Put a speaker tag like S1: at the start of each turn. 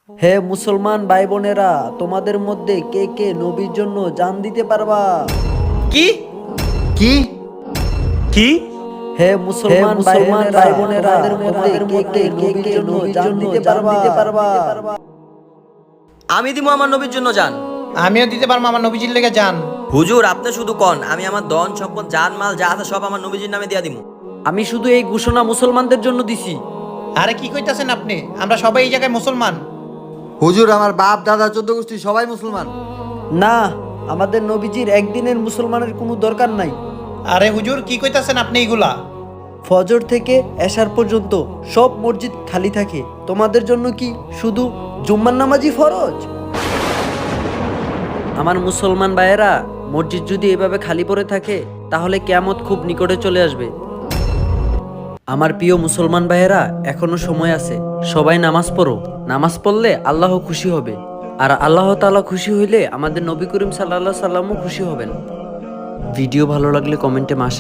S1: হে মুসলমান ভাই বোনেরা, তোমাদের মধ্যে কে কে নবীর জন্য জান দিতে পারবা?
S2: কি
S3: কি
S2: কি
S1: হে মুসলমান ভাই বোনেরা, তোমাদের মধ্যে কে কে নবীর জন্য জান দিতে পারবা?
S2: আমি দিব আমার নবীর জন্য জান।
S3: আমিও দিতে পারবো আমার নবীজির লেগে যান।
S2: হুজুর আপনি শুধু কন, আমি আমার ধন সম্পদ জান মাল যা আছে সব আমার নবীজির নামে দিয়া দিমু।
S1: আমি শুধু এই ঘোষণা মুসলমানদের জন্য দিছি।
S3: আরে কি কইতাছেন আপনি? আমরা সবাই এই জায়গায় মুসলমান।
S4: হুজুর আমার বাপ দাদা 14 গোষ্ঠী সবাই মুসলমান।
S1: না, আমাদের নবীজির একদিনের মুসলমানের কোনো দরকার নাই।
S3: আরে হুজুর কি কইতাছেন আপনি এইগুলা?
S1: ফজর থেকে এশার পর্যন্ত সব মসজিদ খালি থাকে, তোমাদের জন্য কি শুধু জুম্মার নামাজই ফরজ? আমার মুসলমান ভাইয়েরা, মসজিদ যদি এভাবে খালি পড়ে থাকে তাহলে কিয়ামত খুব নিকটে চলে আসবে। আমার প্রিয় মুসলমান ভাইয়েরা, এখনো সময় আছে, সবাই নামাজ পড়ো। নামাজ পড়লে আল্লাহ খুশি হবে, আর আল্লাহ তাআলা খুশি হইলে আমাদের নবী করিম সাল্লাল্লাহু আলাইহি সাল্লামও খুশি হবেন। ভিডিও ভালো লাগলে কমেন্টে